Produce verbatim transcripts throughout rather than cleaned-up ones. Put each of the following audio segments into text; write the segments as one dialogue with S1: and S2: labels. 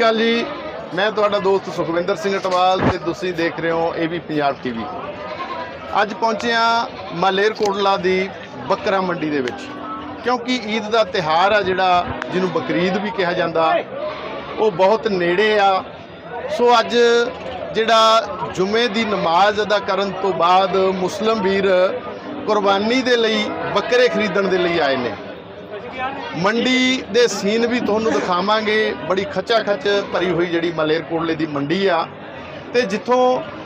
S1: अकाल जी, मैं तुहाडा दोस्त सुखविंदर सिंह अटवाल ते तुसीं देख रहे हो A B Punjab T V. अज पहुंचे हाँ मालेरकोटला दी बकरा मंडी दे विच, क्योंकि ईद का तिहार आ जिहड़ा जिन्हों बकरीद भी कहा जाता वो बहुत नेड़े आ। सो अज जिहड़ा जुमे की नमाज अदा करन तो बाद मुस्लिम वीर कुरबानी दे लई बकरे खरीदण दे लई आए ने। मंडी दे सीन भी तुहानूं दिखावांगे। बड़ी खचा खच भरी हुई जिहड़ी मालेरकोटले दी मंडी आ ते जिथों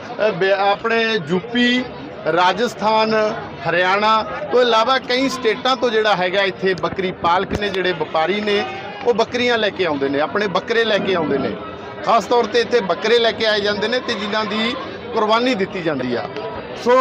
S1: अपने यूपी, राजस्थान, हरियाणा तो इलावा कई स्टेटां तो जिहड़ा हैगा इत्थे बकरी पालक ने जिहड़े व्यापारी ने वो बकरियां लैके आउंदे ने, अपने बकरे लैके आउंदे ने। खास तौर ते इत्थे बकरे लैके आए जांदे ने ते जिन्हां दी कुरबानी दित्ती जांदी आ। सो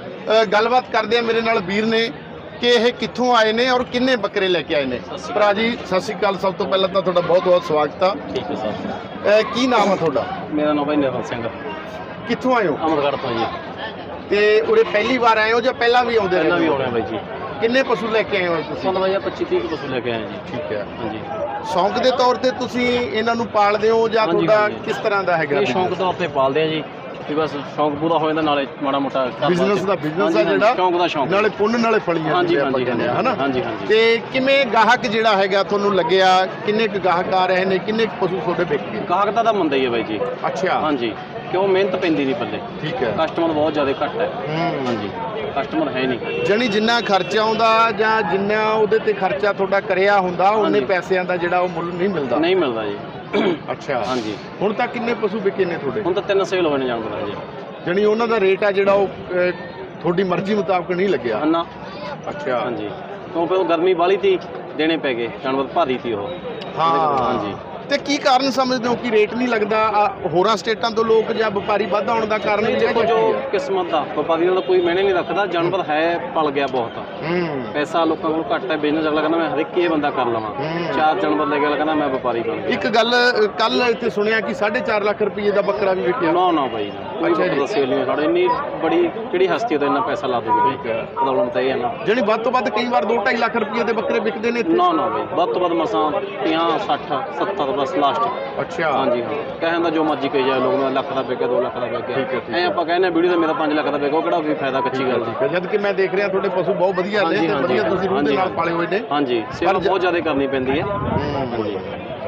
S1: गलबात करदे आ, मेरे नाल वीर ने कि यह कित्थों आए ने और किन्ने बकरे लैके आए ने। भरा जी सत श्री अकाल, सब तो पहले तो तुहाडा बहुत बहुत स्वागत है।
S2: ठीक है सर।
S1: की नाम है तुहाडा?
S2: मेरा नाम भाई निर्मल सिंह।
S1: कित्थों आए हो?
S2: अमरगढ़ तो जी।
S1: ते उरे पहली बार आए हो या पहला भी आउंदे?
S2: पहला भी आउणे भाई जी।
S1: किन्ने पशु लैके आए हो तुसीं?
S2: सन भाई पच्चीस तीस पशु लेके आए जी।
S1: ठीक है।
S2: हाँ जी।
S1: शौक के तौर पर तुसीं इन्हां नूं पालदे हो या तुहाडा किस तरह का हैगा?
S2: ये शौक तौर पर पालते हैं जी कि बस शौक पूरा हो जाता, नाले माड़ा मोटा
S1: बिजनेस का बिजनेस है जिहड़ा
S2: शौक दा शौक,
S1: नाले पुण्य नाले फलियां।
S2: हाँ जी हाँ जी
S1: है ना।
S2: हाँ जी हाँ जी।
S1: ते किवें गाहक जिहड़ा हैगा तुहानूं लगਿਆ किन्ने क गाहक आ रहे ने, किन्ने क पशु तुहाडे विक गए?
S2: गाहक दा मंदा ही है भाई जी।
S1: अच्छा।
S2: हाँ जी, क्यों मेहनत पैंदी नहीं पल्ले।
S1: ठीक है।
S2: कस्टमर बहुत ज़्यादा घट है। हाँ जी, कस्टमर है नहीं।
S1: जानी जिन्ना खर्चा आउंदा जां जिन्ना उहदे ते खर्चा तुहाडा करिया हुंदा उन्ने पैसिਆਂ ਦਾ ਜਿਹੜਾ ਉਹ ਮੁੱਲ नहीं मिलता।
S2: नहीं मिलता जी।
S1: अच्छा।
S2: हाँ जी।
S1: ਹੁਣ ਤੱਕ ਕਿੰਨੇ ਪਸ਼ੂ ਵਿਕੇ ਨੇ ਤੁਹਾਡੇ?
S2: ਹੁਣ ਤਾਂ ਤਿੰਨ ਸੇਲ ਹੋਏ ਨੇ ਜਾਨਵਰਾਂ ਜੀ।
S1: ਜਾਨੀ ਉਹਨਾਂ ਦਾ ਰੇਟ ਆ ਜਿਹੜਾ ਉਹ ਤੁਹਾਡੀ ਮਰਜ਼ੀ ਮੁਤਾਬਕ ਨਹੀਂ ਲੱਗਿਆ?
S2: ਨਾ।
S1: ਅੱਛਾ।
S2: हाँ जी, क्योंकि वो गर्मी वाली थी, देने पै गए, जानवर भारी थी वो।
S1: हाँ
S2: हाँ जी।
S1: ਤੇ ਕੀ ਕਾਰਨ ਸਮਝਦੇ ਹੋ ਕਿ ਰੇਟ ਨਹੀਂ ਲੱਗਦਾ? ਹੋਰਾਂ ਸਟੇਟਾਂ ਤੋਂ ਲੋਕ ਜਾਂ ਵਪਾਰੀ ਵੱਧ ਆਉਣ ਦਾ ਕਾਰਨ
S2: नहीं देखो जो किस्मत का व्यापारी का कोई मैंने नहीं रखता, जानवर है पल गया बहुत। पैसा लोगों को घट है, बिजनेस अगला कहना मैं हर एक ये बंदा कर लवां, चार जानवर लेके अगला कहना मैं व्यापारी बन गया।
S1: एक गल कल इत्थे सुनिया कि साढ़े चार लाख रुपये का बकरा भी विकिया।
S2: ना ना भाई ना, कोई बकरा सेल नहीं साढ़े। इन्नी बड़ी किहड़ी हस्ती तो इन्ना पैसा ला दूगी प्रॉब्लम तो ये है ना।
S1: जानी ਵੱਧ ਤੋਂ ਵੱਧ कई बार दो ढाई लाख रुपये के बकरे विकते ने?
S2: ना ना भाई, ਵੱਧ ਤੋਂ ਵੱਧ मसां पचास सठ सत्तर बस लास्ट।
S1: अच्छा।
S2: हाँ जी हाँ, कहना जो मर्जी कही जाए लोग, लख का विके दो लख का विके ऐ आप कहने वीडियो तो मेरा पाँच लाख का विके, किहड़ा कोई फायदा कच्ची गल दी।
S1: जद कि मैं देख रहा थोड़े पशु बहुत वधिया ने ते वधिया तुसीं रूह दे नाल पाले होए ने।
S2: हाँ जी, सेवा बहुत ज़्यादा करनी पैंदी है। हाँ जी।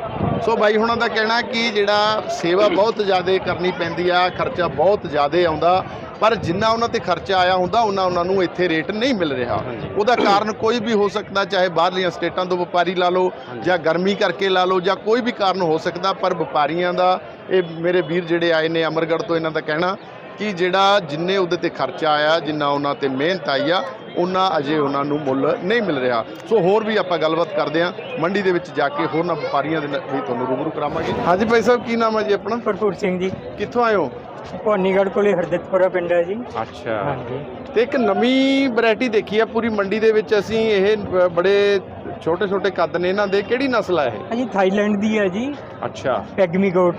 S1: सो भाई हुणां दा कहना कि जिहड़ा सेवा बहुत ज़्यादा करनी पैंदी आ, खर्चा बहुत ज़्यादा आउंदा, पर जिन्ना उन्हां ते खर्चा आया हुंदा उन्ना उन्हां नूं इत्थे रेट नहीं मिल रहा। ਉਹਦਾ ਕਾਰਨ ਕੋਈ ਵੀ ਹੋ ਸਕਦਾ, ਚਾਹੇ ਬਾਹਰਲੀਆਂ ਸਟੇਟਾਂ ਤੋਂ ਵਪਾਰੀ ਲਾ ਲਓ ਜਾਂ ਗਰਮੀ ਕਰਕੇ ਲਾ ਲਓ ਜਾਂ ਕੋਈ ਵੀ ਕਾਰਨ ਹੋ ਸਕਦਾ, ਪਰ ਵਪਾਰੀਆਂ ਦਾ ਇਹ ਮੇਰੇ ਵੀਰ ਜਿਹੜੇ ਆਏ ਨੇ ਅਮਰਗੜ੍ਹ ਤੋਂ, ਇਹਨਾਂ ਦਾ ਕਹਿਣਾ ਕਿ ਜਿਹੜਾ ਜਿੰਨੇ ਉਹਦੇ ਤੇ ਖਰਚਾ ਆਇਆ, ਜਿੰਨਾ ਉਹਨਾਂ ਤੇ ਮਿਹਨਤ ਆਈ ਆ, ਉਹਨਾਂ ਅਜੇ ਉਹਨਾਂ ਨੂੰ ਮੁੱਲ ਨਹੀਂ ਮਿਲ ਰਿਹਾ। ਸੋ ਹੋਰ ਵੀ ਆਪਾਂ ਗੱਲਬਾਤ ਕਰਦੇ ਹਾਂ ਮੰਡੀ ਦੇ ਵਿੱਚ ਜਾ ਕੇ, ਹੋਰਨਾਂ ਵਪਾਰੀਆਂ ਦੇ ਨਾਲ ਵੀ ਤੁਹਾਨੂੰ ਰੂਬਰੂ ਕਰਾਵਾਂਗੇ। ਹਾਂਜੀ ਭਾਈ ਸਾਹਿਬ, ਕੀ ਨਾਮ ਹੈ ਜੀ ਆਪਣਾ?
S3: ਭਰਪੂਰ ਸਿੰਘ ਜੀ।
S1: ਕਿੱਥੋਂ ਆਏ ਹੋ?
S3: ਭਵਾਨੀਗੜ੍ਹ ਕੋਲੇ ਹਰਦਿਤਪੁਰਾ ਪਿੰਡ ਹੈ ਜੀ।
S1: ਅੱਛਾ।
S3: ਹਾਂਜੀ।
S1: ਤੇ ਇੱਕ ਨਵੀਂ ਵੈਰਾਈਟੀ ਦੇਖੀ ਆ ਪੂਰੀ ਮੰਡੀ ਦੇ ਵਿੱਚ ਅਸੀਂ, ਇਹ ਬੜੇ ਛੋਟੇ ਛੋਟੇ ਕੱਦ ਨੇ ਇਹਨਾਂ ਦੇ, ਕਿਹੜੀ ਨਸਲ ਆ ਇਹ?
S3: ਹਾਂਜੀ, ਥਾਈਲੈਂਡ ਦੀ ਹੈ ਜੀ।
S1: ਅੱਛਾ।
S3: Pygmy goat.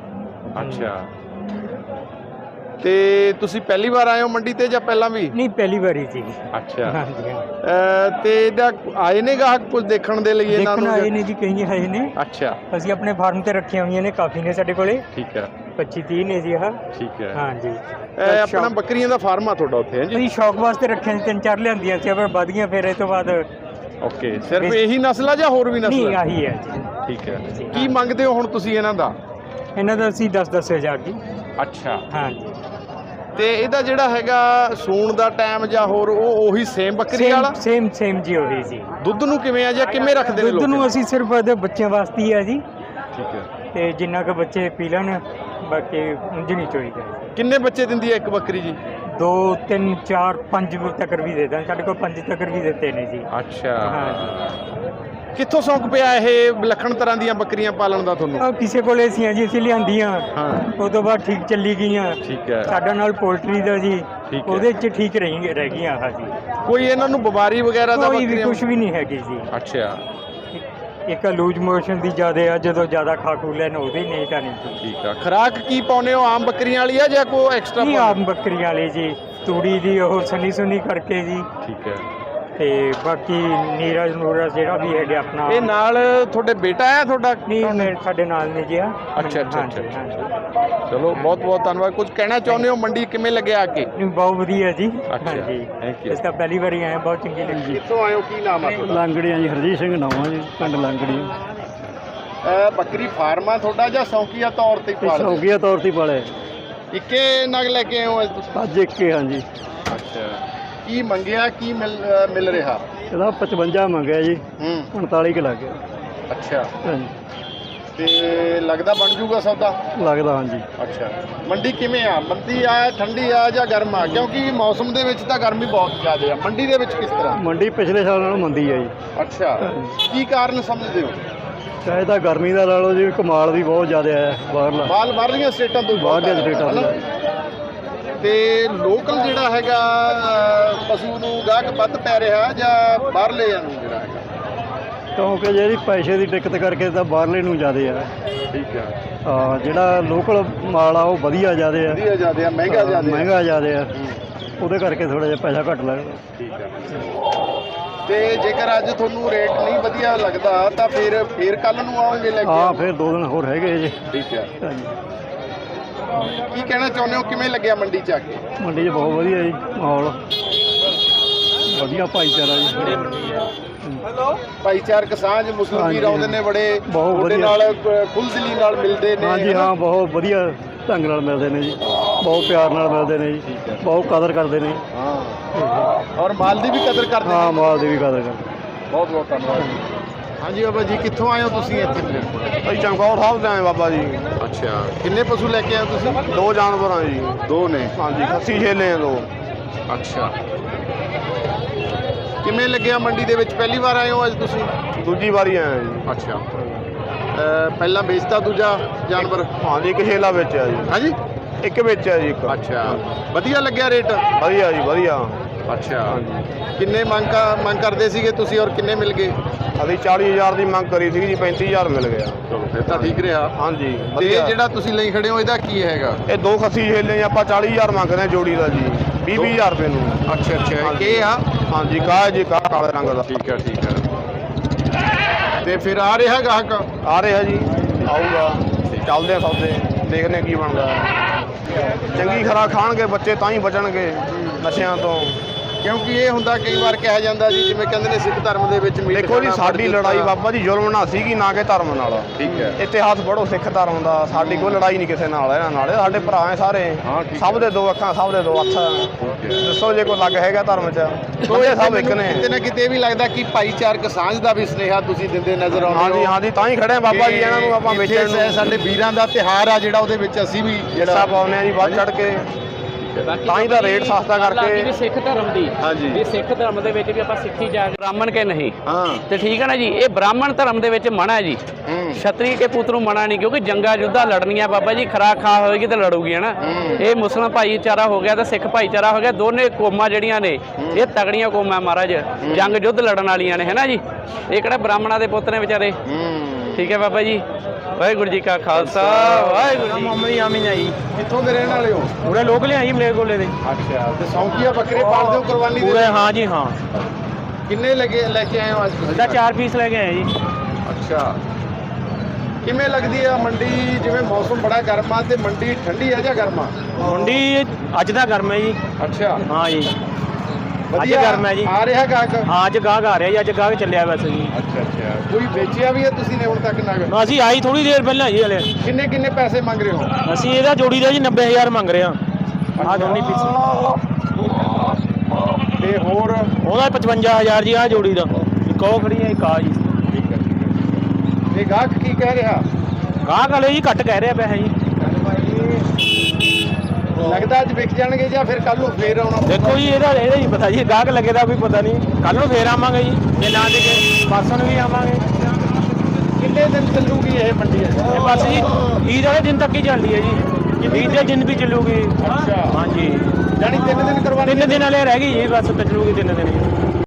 S1: ਅੱਛਾ। ਤੇ ਤੁਸੀਂ ਪਹਿਲੀ ਵਾਰ ਆਏ ਹੋ ਮੰਡੀ ਤੇ ਜਾਂ ਪਹਿਲਾਂ ਵੀ?
S3: ਨਹੀਂ, ਪਹਿਲੀ ਵਾਰੀ ਜੀ।
S1: ਅੱਛਾ।
S3: ਹਾਂਜੀ ਹਾਂ।
S1: ਤੇ ਇਹਦਾ ਆਏ ਨੇ ਗਾਹਕ ਕੁਝ ਦੇਖਣ ਦੇ ਲਈ ਇਹਨਾਂ ਨੂੰ?
S3: ਦੇਖਣ ਆਏ ਨੇ ਜੀ, ਕਈ ਆਏ ਨੇ।
S1: ਅੱਛਾ।
S3: ਅਸੀਂ ਆਪਣੇ ਫਾਰਮ ਤੇ ਰੱਖੀਆਂ ਹੋਈਆਂ ਨੇ, ਕਾਫੀ ਨੇ ਸਾਡੇ ਕੋਲੇ।
S1: ਠੀਕ ਹੈ।
S3: ਪੱਚੀ ਤੀਹ ਨੇ ਜੀ ਇਹ।
S1: ਠੀਕ ਹੈ।
S3: ਹਾਂਜੀ।
S1: ਆਪਣਾ ਬੱਕਰੀਆਂ ਦਾ ਫਾਰਮ ਆ ਤੁਹਾਡਾ ਉੱਥੇ? ਹੈ ਜੀ।
S3: ਅਸੀਂ ਸ਼ੌਕ ਵਾਸਤੇ ਰੱਖਿਆ ਸੀ, ਤਿੰਨ ਚਾਰ ਲਿਆਂਦੀਆਂ ਸੀ, ਪਰ ਵਧ ਗਈਆਂ ਫਿਰ ਇਸ ਤੋਂ ਬਾਅਦ।
S1: ਓਕੇ, ਸਿਰਫ ਇਹੀ ਨਸਲ ਆ ਜਾਂ ਹੋਰ ਵੀ ਨਸਲ?
S3: ਨਹੀਂ, ਆਹੀ ਹੈ ਜੀ।
S1: ਠੀਕ ਹੈ। ਕੀ ਮੰਗਦੇ ਹੋ ਹੁਣ ਤੁਸੀਂ ਇਹਨਾਂ ਦਾ?
S3: ਇਹਨਾਂ ਦਾ ਅਸੀਂ ਦਸ ਦਸ ਹਜ਼ਾਰ ਜੀ।
S1: ਅੱਛਾ।
S3: ਹਾਂਜੀ।
S1: ਤੇ ਇਹਦਾ ਜਿਹੜਾ ਹੈਗਾ ਸੂਣ ਦਾ ਟਾਈਮ ਜਾਂ ਹੋਰ ਉਹ ਉਹੀ ਸੇਮ ਬੱਕਰੀ ਵਾਲਾ?
S3: ਸੇਮ ਸੇਮ ਜੀ, ਉਹੀ ਜੀ।
S1: ਦੁੱਧ ਨੂੰ ਕਿਵੇਂ ਆ ਜਾਂ ਕਿਵੇਂ ਰੱਖਦੇ ਨੇ ਲੋਕ?
S3: ਦੁੱਧ ਨੂੰ ਅਸੀਂ ਸਿਰਫ ਇਹਦੇ ਬੱਚਿਆਂ ਵਾਸਤੇ ਹੀ ਆ ਜੀ।
S1: ਠੀਕ ਹੈ।
S3: ਤੇ ਜਿੰਨਾ ਕੁ ਬੱਚੇ ਪੀ ਲੈਣ, ਬਾਕੀ ਉਂਝ ਨਹੀਂ ਚੋਈਦਾ।
S1: ਕਿੰਨੇ ਬੱਚੇ ਦਿੰਦੀ ਹੈ ਇੱਕ ਬੱਕਰੀ ਜੀ?
S3: ਦੋ ਤਿੰਨ ਚਾਰ ਪੰਜ ਤੱਕ ਵੀ ਦੇ ਦਾਂ, ਸਾਡੇ ਕੋਲ ਪੰਜ ਤੱਕ ਵੀ ਦਿੱਤੇ ਨੇ ਜੀ।
S1: ਅੱਛਾ।
S3: ਹਾਂ ਜੀ।
S1: ਕਿੱਥੋਂ ਸ਼ੌਂਕ ਪਿਆ ਇਹ ਵਿਲੱਖਣ ਤਰ੍ਹਾਂ ਦੀਆਂ ਬੱਕਰੀਆਂ ਪਾਲਣ ਦਾ ਤੁਹਾਨੂੰ?
S3: ਆ ਕਿਸੇ ਕੋਲੇ ਸੀ ਜੀ, ਅਸੀਂ ਲਿਆਂਦੀਆਂ।
S1: ਹਾਂ।
S3: ਉਹ ਤੋਂ ਬਾਅਦ ਠੀਕ ਚੱਲੀ ਗਈਆਂ।
S1: ਠੀਕ ਹੈ।
S3: ਸਾਡਾ ਨਾਲ ਪੋਲਟਰੀ ਦਾ ਜੀ,
S1: ਠੀਕ ਹੈ।
S3: ਉਹਦੇ 'ਚ ਠੀਕ ਰਹੀ ਰਹਿ ਗਈਆਂ ਆਹ ਜੀ।
S1: ਕੋਈ ਇਹਨਾਂ ਨੂੰ ਬਿਮਾਰੀ ਵਗੈਰਾ ਦਾ?
S3: ਕੋਈ ਵੀ ਕੁਝ ਵੀ ਨਹੀਂ ਹੈਗੀ ਜੀ।
S1: ਅੱਛਾ।
S3: ਇੱਕ ਲੂਜ ਮੋਸ਼ਨ ਦੀ ਜ਼ਿਆਦਾ ਆ, ਜਦੋਂ ਜ਼ਿਆਦਾ ਖਾ ਖੂ ਲੈਣ ਉਹਦੇ ਨਹੀਂ ਤਾਂ ਨਹੀਂ।
S1: ਠੀਕ ਆ। ਖੁਰਾਕ ਕੀ ਪਾਉਨੇ ਹੋ? ਆਮ ਬੱਕਰੀਆਂ ਵਾਲੀ ਆ ਜਾਂ ਕੋਈ ਐਕਸਟਰਾ?
S3: ਨਹੀਂ, ਆਮ ਬੱਕਰੀਆਂ ਵਾਲੀ ਜੀ, ਤੂੜੀ ਦੀ ਉਹ ਸਨੀ ਸੁਨੀ ਕਰਕੇ ਜੀ।
S1: ਠੀਕ ਹੈ।
S3: ਤੇ ਬਾਕੀ ਨੀਰਜ ਨੂਰਜ ਜਿਹੜਾ ਵੀ ਹੈਗਾ ਆਪਣਾ
S1: ਇਹ ਨਾਲ ਤੁਹਾਡੇ ਬੇਟਾ ਹੈ ਤੁਹਾਡਾ?
S3: ਨਹੀਂ ਮੇਰੇ ਸਾਡੇ ਨਾਲ ਨੇ ਜੀ ਆ।
S1: ਅੱਛਾ ਅੱਛਾ
S3: ਹਾਂਜੀ,
S1: ਅੱਛਾ
S3: ਹਾਂਜੀ।
S1: ਚਲੋ ਬਹੁਤ ਬਹੁਤ ਧੰਨਵਾਦ। ਕੁਝ ਕਹਿਣਾ ਚਾਹੁੰਦੇ ਹੋ ਮੰਡੀ ਕਿਵੇਂ ਲੱਗਿਆ ਆ ਕੇ?
S3: ਨਹੀਂ ਬਹੁਤ ਵਧੀਆ ਜੀ।
S1: ਅੱਛਾ,
S3: ਹਾਂਜੀ
S1: thank you।
S3: ਇਸ ਤਾਂ ਪਹਿਲੀ ਵਾਰੀ ਆਏ, ਬਹੁਤ ਚੰਗੀ ਲੱਗੀ।
S1: ਕਿੱਥੋਂ ਆਏ ਹੋ, ਕੀ ਨਾਮ ਆ ਤੁਹਾਡਾ?
S3: ਲਾਂਗੜੀਆਂ ਜੀ, ਹਰਜੀਤ ਸਿੰਘ ਨਾਮ ਆ ਜੀ, ਪਿੰਡ ਲਾਂਗੜੀਆਂ।
S1: ਅਹ ਬੱਕਰੀ ਫਾਰਮ ਆ ਤੁਹਾਡਾ ਜਾਂ ਸ਼ੌਕੀਆ ਤੌਰ ਤੇ ਪਾਲਦੇ?
S3: ਸ਼ੌਕੀਆ ਤੌਰ ਤੇ ਪਾਲੇ
S1: ਇੱਕੇ ਨਗ ਲੈ ਕੇ ਆਏ ਹੋ ਅੱਜ ਤੁਸੀਂ?
S3: ਅੱਜ ਇੱਕ ਹੀ ਹਾਂਜੀ।
S1: ਅੱਛਾ, ਕੀ ਮੰਗਿਆ, ਕੀ ਮਿਲ ਅਹ ਮਿਲ ਰਿਹਾ?
S3: ਇਹਦਾ ਪਚਵੰਜਾ ਮੰਗਿਆ ਜੀ,
S1: ਹੂੰ,
S3: ਉਨਤਾਲੀ ਕੁ ਲੱਗ ਗਿਆ।
S1: ਅੱਛਾ,
S3: ਹਾਂਜੀ
S1: ਤੇ ਲੱਗਦਾ ਬਣ ਜੂਗਾ ਸੌਦਾ?
S3: ਲੱਗਦਾ ਹਾਂਜੀ।
S1: ਅੱਛਾ, ਮੰਡੀ ਕਿਵੇਂ ਆ? ਮੰਦੀ ਆ, ਠੰਡੀ ਆ ਜਾਂ ਗਰਮ ਆ? ਕਿਉਂਕਿ ਮੌਸਮ ਦੇ ਵਿੱਚ ਤਾਂ ਗਰਮੀ ਬਹੁਤ ਜ਼ਿਆਦਾ ਆ, ਮੰਡੀ ਦੇ ਵਿੱਚ ਕਿਸ ਤਰ੍ਹਾਂ?
S3: ਮੰਡੀ ਪਿਛਲੇ ਸਾਲ ਨਾਲੋਂ ਮੰਦੀ ਹੈ ਜੀ।
S1: ਅੱਛਾ, ਕੀ ਕਾਰਨ ਸਮਝਦੇ ਹੋ?
S3: ਚਾਹੇ ਤਾਂ ਗਰਮੀ ਦਾ ਲਾ ਲਓ ਜੀ, ਕਮਾਲ ਵੀ ਬਹੁਤ ਜ਼ਿਆਦਾ ਆਇਆ ਬਾਹਰਲਾ।
S1: ਮਾਲ ਬਾਹਰਲੀਆਂ ਸਟੇਟਾਂ ਤੋਂ ਬਹੁਤ
S3: ਬਾਹਰਲੀਆਂ
S1: ਆਇਆ,
S3: ਸਟੇਟਾਂ ਤੋਂ।
S1: ਹਨਾ? ਤੇ ਲੋਕਲ ਜਿਹੜਾ ਹੈਗਾ ਅਹ, ਪਸ਼ੂ ਨੂੰ ਗਾਹਕ ਵੱਧ ਪੈ ਰਿਹਾ ਜਾਂ ਬਾਹਰਲੇ ਨੂੰ ਜਿਹੜਾ ਹੈਗਾ?
S3: ਕਿਉਂਕਿ ਜਿਹੜੀ ਪੈਸੇ ਦੀ ਦਿੱਕਤ ਕਰਕੇ ਤਾਂ ਬਾਹਰਲੇ ਨੂੰ ਜ਼ਿਆਦਾ ਆ।
S1: ਠੀਕ ਹੈ,
S3: ਹਾਂ, ਜਿਹੜਾ ਲੋਕਲ ਮਾਲ ਆ ਉਹ ਵਧੀਆ ਜ਼ਿਆਦਾ ਆ,
S1: ਵਧੀਆ ਜ਼ਿਆਦਾ ਆ, ਮਹਿੰਗਾ ਜ਼ਿਆਦਾ ਆ।
S3: ਮਹਿੰਗਾ ਜ਼ਿਆਦਾ ਆ,
S1: ਹੂੰ,
S3: ਉਹਦੇ ਕਰਕੇ ਥੋੜਾ ਜਿਹਾ ਪੈਸਾ ਘੱਟ ਲੱਗਦਾ।
S1: ਠੀਕ ਹੈ। ਤੇ ਜੇਕਰ ਅੱਜ ਤੁਹਾਨੂੰ ਰੇਟ ਨਹੀਂ ਵਧੀਆ ਲੱਗਦਾ ਤਾਂ ਫਿਰ ਫਿਰ ਕੱਲ ਨੂੰ ਆਓਗੇ ਲੈ ਕੇ?
S3: ਹਾਂ, ਫਿਰ ਦੋ ਦਿਨ ਹੋਰ ਹੈਗੇ ਜੀ।
S1: ਠੀਕ ਹੈ।
S3: ਹਾਂਜੀ,
S1: ਕੀ ਕਹਿਣਾ ਚਾਹੁੰਦੇ ਹੋ, ਕਿਵੇਂ ਲੱਗਿਆ ਮੰਡੀ ਚ ਆ ਕੇ?
S3: ਮੰਡੀ 'ਚ ਬਹੁਤ ਵਧੀਆ ਜੀ ਮਾਹੌਲ, ਵਧੀਆ ਭਾਈਚਾਰਾ ਜੀ।
S1: ਭਾਈਚਾਰਕ ਸਾਂਝ, ਮੁਸਲਿਮ ਵੀਰ
S3: ਹਾਂਜੀ,
S1: ਆਉਂਦੇ ਨੇ ਬੜੇ,
S3: ਬਹੁਤ
S1: ਤੁਹਾਡੇ
S3: ਵਧੀਆ।
S1: ਨਾਲ ਖੁੱਲ੍ਹਦਿਲੀ ਨਾਲ ਮਿਲਦੇ ਨੇ?
S3: ਹਾਂਜੀ ਹਾਂ, ਬਹੁਤ ਵਧੀਆ ਢੰਗ ਨਾਲ ਮਿਲਦੇ ਨੇ ਜੀ, ਬਹੁਤ ਪਿਆਰ ਨਾਲ ਮਿਲਦੇ ਨੇ ਜੀ, ਬਹੁਤ ਕਦਰ ਕਰਦੇ ਨੇ।
S1: ਹਾਂ, ਔਰ ਮਾਲ ਦੀ ਵੀ ਕਦਰ ਕਰਦੇ
S3: ਹਾਂ,
S1: ਨੇ?
S3: ਮਾਲ ਦੀ ਵੀ ਕਦਰ ਕਰਦੇ।
S1: ਬਹੁਤ ਬਹੁਤ ਧੰਨਵਾਦ। ਹਾਂਜੀ ਬਾਬਾ ਜੀ, ਕਿੱਥੋਂ ਆਏ ਹੋ ਤੁਸੀਂ ਇੱਥੇ?
S4: ਅਸੀਂ ਚਮਕੌਰ ਸਾਹਿਬ ਦੇ ਆਏ ਬਾਬਾ ਜੀ।
S1: ਅੱਛਾ, ਕਿੰਨੇ ਪਸ਼ੂ ਲੈ ਕੇ ਆਏ ਹੋ ਤੁਸੀਂ?
S4: ਦੋ ਜਾਨਵਰ ਆ ਜੀ।
S1: ਦੋ ਨੇ?
S4: ਹਾਂਜੀ, ਖੱਸੀ ਛੇਲੇ ਆ ਦੋ।
S1: ਅੱਛਾ, ਕਿਵੇਂ ਲੱਗਿਆ ਮੰਡੀ ਦੇ ਵਿੱਚ? ਪਹਿਲੀ ਵਾਰ ਆਏ ਹੋ ਅੱਜ ਤੁਸੀਂ?
S4: ਦੂਜੀ ਵਾਰੀ ਆਏ ਜੀ।
S1: ਅੱਛਾ, ਅਹ ਪਹਿਲਾਂ ਵੇਚਤਾ ਦੂਜਾ ਜਾਨਵਰ?
S4: ਹਾਂਜੀ, ਇੱਕ ਛੇਲਾ ਵੇਚਿਆ ਜੀ।
S1: ਹਾਂਜੀ,
S4: ਇੱਕ ਵੇਚਿਆ ਜੀ ਇੱਕ।
S1: ਅੱਛਾ, ਵਧੀਆ ਲੱਗਿਆ ਰੇਟ?
S4: ਵਧੀਆ ਜੀ, ਵਧੀਆ।
S1: ਅੱਛਾ, ਕਿੰਨੇ ਮੰਗ ਕ- ਮੰਗ ਕਰਦੇ ਸੀਗੇ ਤੁਸੀਂ ਔਰ ਕਿੰਨੇ ਮਿਲ ਗਏ?
S4: ਅਸੀਂ ਚਾਲੀ ਹਜ਼ਾਰ ਦੀ ਮੰਗ ਕਰੀ ਸੀ ਜੀ, ਪੈਂਤੀ ਹਜ਼ਾਰ ਮਿਲ ਗਿਆ।
S1: ਚਲੋ ਫਿਰ ਤਾਂ ਠੀਕ ਰਿਹਾ।
S4: ਹਾਂਜੀ,
S1: ਤੇ
S4: ਵਧੀਆ।
S1: ਇਹ ਜਿਹੜਾ ਤੁਸੀਂ ਲਈ ਖੜੇ ਹੋ ਇਹਦਾ ਕੀ ਹੈਗਾ?
S4: ਇਹ ਦੋ ਖੱਸੀ ਛੇਲੇ ਆਪਾਂ ਚਾਲੀ ਹਜ਼ਾਰ ਮੰਗਦੇ ਆ ਜੋੜੀ ਦਾ ਜੀ, ਵੀਹ ਵੀਹ ਹਜ਼ਾਰ ਰੁਪਏ ਨੂੰ।
S1: ਅੱਛਾ ਅੱਛਾ,
S4: ਹਾਂਜੀ।
S1: ਇਹ ਆ?
S4: ਹਾਂਜੀ, ਕਾਹ ਜੀ, ਕਾਹ ਕਾਲੇ ਰੰਗ ਦਾ।
S1: ਠੀਕ ਹੈ, ਠੀਕ ਹੈ। ਤੇ ਫਿਰ ਆ ਰਿਹਾ ਗਾਹਕ?
S4: ਆ ਰਿਹਾ ਜੀ, ਆਊਗਾ। ਚੱਲਦੇ ਆ ਸੌਦੇ, ਦੇਖਦੇ ਆ ਕੀ ਬਣਦਾ। ਚੰਗੀ ਖੁਰਾਕ ਖਾਣਗੇ ਬੱਚੇ ਤਾਂ ਹੀ ਬਚਣਗੇ ਨਸ਼ਿਆਂ ਤੋਂ।
S1: ਕਿਉਂਕਿ ਇਹ ਹੁੰਦਾ ਕਈ ਵਾਰ ਕਿਹਾ ਜਾਂਦਾ ਜੀ, ਜਿਵੇਂ ਕਹਿੰਦੇ ਨੇ ਸਿੱਖ ਧਰਮ ਦੇ ਵਿੱਚ ਮੀਟ
S4: ਦੇਖੋ ਜੀ,
S1: ਖਾਣਾ
S4: ਸਾਡੀ
S1: ਵਰਜਿਤ
S4: ਲੜਾਈ
S1: ਆ।
S4: ਬਾਬਾ ਜੀ ਜ਼ੁਲਮ ਨਾਲ ਸੀਗੀ, ਨਾ ਕਿ ਧਰਮ ਨਾਲ।
S1: ਠੀਕ ਹੈ।
S4: ਇਤਿਹਾਸ ਪੜ੍ਹੋ ਸਿੱਖ ਧਰਮ ਦਾ, ਸਾਡੀ ਕੋਈ ਲੜਾਈ ਨਹੀਂ ਕਿਸੇ ਨਾਲ, ਇਹਨਾਂ ਨਾਲ। ਇਹ ਸਾਡੇ ਭਰਾ ਹੈ ਸਾਰੇ।
S1: ਹਾਂ, ਠੀਕ
S4: ਸਭ ਦੇ ਦੋ ਅੱਖਾਂ, ਸਭ ਦੇ ਦੋ ਹੱਥ। ਦੱਸੋ ਜੇ ਕੋਈ ਲੱਗ ਹੈਗਾ ਧਰਮ 'ਚ? ਬੰਦੇ ਸਭ ਇੱਕ ਨੇ।
S1: ਕਿਤੇ ਨਾ ਕਿਤੇ ਇਹ ਵੀ ਲੱਗਦਾ ਕਿ ਭਾਈਚਾਰਕ ਸਾਂਝ ਦਾ ਵੀ ਸੁਨੇਹਾ ਤੁਸੀਂ ਦਿੰਦੇ ਨਜ਼ਰ ਆਉਂਦੇ ਹੋ।
S4: ਹਾਂਜੀ ਹਾਂਜੀ, ਤਾਂ ਹੀ ਖੜੇ ਆ ਬਾਬਾ ਜੀ, ਇਹਨਾਂ ਨੂੰ ਆਪਾਂ
S1: ਇੱਥੇ
S4: ਵੇਚਣ ਨੂੰ
S1: ਸਾਡੇ ਵੀਰਾਂ ਦਾ ਤਿਉਹਾਰ ਆ ਜਿਹੜਾ, ਉਹਦੇ ਵਿੱਚ ਅਸੀਂ ਵੀ
S4: ਹਿੱਸਾ ਪਾਉਂਦੇ ਆ ਜੀ, ਵੱਧ ਚੜ ਕੇ। ਤਾਂ ਹੀ ਤਾਂ ਰੇਟ ਸਸਤਾ ਕਰਕੇ।
S2: ਵੀ ਸਿੱਖ ਧਰਮ ਦੀ,
S1: ਹਾਂਜੀ।
S2: ਵੀ ਸਿੱਖ ਧਰਮ ਦੇ ਵਿੱਚ ਵੀ ਆਪਾਂ ਸਿੱਖੀ ਜਾ ਬ੍ਰਾਹਮਣ ਕੇ ਨਹੀਂ
S1: ਹਾਂ,
S2: ਤੇ ਠੀਕ ਹੈ ਨਾ ਜੀ। ਇਹ ਬ੍ਰਾਹਮਣ ਧਰਮ ਦੇ ਵਿੱਚ ਮਨਾ ਹੈ ਜੀ,
S1: ਹੂੰ,
S2: ਛਤਰੀ ਕੇ ਪੁੱਤ ਨੂੰ ਮਨਾ ਨਹੀਂ, ਕਿਉਂਕਿ ਜੰਗਾਂ ਯੁੱਧਾਂ ਲੜਨੀਆਂ ਬਾਬਾ ਜੀ, ਖਰਾਕ ਖਾ ਹੋਏਗੀ ਤੇ ਲੜੂਗੀ ਹੈ ਨਾ।
S1: ਹੂੰ।
S2: ਇਹ ਮੁਸਲਮਾਨ ਭਾਈਚਾਰਾ ਹੋ ਗਿਆ ਤੇ ਸਿੱਖ ਭਾਈਚਾਰਾ ਹੋ ਗਿਆ, ਦੋਨੇ ਕੌਮਾਂ ਜਿਹੜੀਆਂ ਨੇ ਇਹ ਤਗੜੀਆਂ ਕੌਮਾਂ ਮਹਾਰਾਜ, ਜੰਗ ਯੁੱਧ ਲੜਨ ਵਾਲੀਆਂ ਨੇ, ਹੈ ਨਾ ਜੀ। ਇਹ ਕਿਹੜਾ ਬ੍ਰਾਹਮਣਾਂ ਦੇ ਪੁੱਤ ਨੇ ਵਿਚਾਰੇ?
S1: ਹੂੰ,
S2: ਠੀਕ ਹੈ ਬਾਬਾ ਜੀ। ਵਾਹਿਗੁਰੂ ਜੀ ਕਾ ਖਾਲਸਾ, ਵਾਹਿਗੁਰੂ ਜੀ।
S3: ਮੁਹੰਮਦ ਆਮੀਨ ਆ ਜੀ,
S1: ਕਿੱਥੋਂ ਦੇ ਰਹਿਣ ਵਾਲੇ ਹੋ?
S3: ਪੂਰੇ ਲੋਕ ਲਿਆਈ ਮਲੇ ਕੋਲੇ ਦੇ।
S1: ਅੱਛਾ, ਤੇ ਸੌਂਕੀਆ ਬੱਕਰੇ ਪਾਲਦੇ ਹੋ ਕੁਰਬਾਨੀ ਦੇ?
S3: ਪੂਰੇ ਹਾਂ ਜੀ ਹਾਂ।
S1: ਕਿੰਨੇ ਲੱਗੇ ਲੈ ਕੇ ਆਏ ਹੋ ਅੱਜ ਤੁਸੀਂ?
S3: ਇਹਦਾ ਚਾਰ ਪੀਸ ਲੈ ਕੇ ਆਏ ਜੀ।
S1: ਅੱਛਾ, ਕਿਵੇਂ ਲੱਗਦੀ ਆ ਮੰਡੀ? ਜਿਵੇਂ ਮੌਸਮ ਬੜਾ ਗਰਮ ਆ, ਤੇ ਮੰਡੀ ਠੰਡੀ ਆ ਜਾਂ ਗਰਮ ਆ?
S3: ਮੰਡੀ ਅੱਜ ਦਾ ਗਰਮ ਹੈ ਜੀ।
S1: ਅੱਛਾ,
S3: ਹਾਂ ਜੀ,
S1: ਵਧੀਆ
S3: ਗਰਮ ਹੈ ਜੀ।
S1: ਆ ਰਿਹਾ ਗਾਹਕ?
S3: ਹਾਂ, ਅੱਜ ਗਾਹਕ ਆ ਰਿਹਾ ਜੀ, ਅੱਜ ਗਾਹਕ ਚੱਲਿਆ ਵੈਸੇ ਜੀ।
S1: ਅੱਛਾ ਅੱਛਾ, ਕੋਈ ਵੇਚਿਆ ਵੀ ਹੈ ਤੁਸੀਂ ਨੇ ਹੁਣ ਤੱਕ ਨਗ?
S3: ਅਸੀਂ ਆਈ ਥੋੜੀ ਦੇਰ ਪਹਿਲਾਂ ਜੀ ਹਲੇ।
S1: ਕਿੰਨੇ ਕਿੰਨੇ ਪੈਸੇ ਮੰਗ ਰਹੇ ਹੋ?
S3: ਅਸੀਂ ਇਹਦਾ ਜੋੜੀ ਦਾ ਜੀ ਨੱਬੇ ਹਜ਼ਾਰ ਮੰਗ ਰਹੇ ਹਾਂ। ਆਹ ਦੋਨੇ ਪੀਸ
S1: ਤੇ ਹੋਰ?
S3: ਉਹਦਾ ਪਚਵੰਜਾ ਹਜ਼ਾਰ ਜੀ, ਆਹ ਜੋੜੀ ਦਾ। ਇੱਕ ਉਹ ਖੜੀ ਹੈ, ਇੱਕ ਆ ਜੀ।
S1: ਠੀਕ ਹੈ, ਠੀਕ ਹੈ। ਇਹ ਗਾਹਕ ਕੀ ਕਹਿ ਰਿਹਾ?
S3: ਗਾਹਕ ਵਾਲੇ ਜੀ ਘੱਟ ਕਹਿ ਰਿਹਾ ਪੈਸੇ ਜੀ।
S1: ਲੱਗਦਾ ਅੱਜ ਵਿਕ ਜਾਣਗੇ ਜਾਂ ਫਿਰ ਕੱਲ ਨੂੰ ਫੇਰ ਆਉਣਾ?
S3: ਦੇਖੋ ਜੀ, ਇਹਦਾ ਇਹਦਾ ਹੀ ਪਤਾ ਜੀ, ਗਾਹਕ ਲੱਗੇਦਾ ਕੋਈ ਪਤਾ ਨਹੀਂ। ਕੱਲ ਨੂੰ ਫੇਰ ਆਵਾਂਗੇ ਜੀ, ਜੇ ਨਾ ਦੇਖੇ ਪਰਸੋਂ ਨੂੰ ਵੀ ਆਵਾਂਗੇ।
S1: ਕਿੰਨੇ ਦਿਨ ਚੱਲੂਗੀ ਇਹ ਮੰਡੀ?
S3: ਇਹ ਬਸ ਜੀ ਈਦ ਵਾਲੇ ਦਿਨ ਤੱਕ ਹੀ ਚੱਲਦੀ ਹੈ ਜੀ, ਈਦ ਦੇ ਦਿਨ ਵੀ ਚੱਲੂਗੀ।
S1: ਅੱਛਾ,
S3: ਹਾਂਜੀ,
S1: ਜਾਣੀ ਤਿੰਨ ਦਿਨ ਕਰਵਾਉਣੇ?
S3: ਤਿੰਨ ਦਿਨ ਵਾਲੇ ਰਹਿ ਗਈ ਜੀ, ਬਸ ਚੱਲੂਗੀ ਤਿੰਨ ਦਿਨ ਜੀ।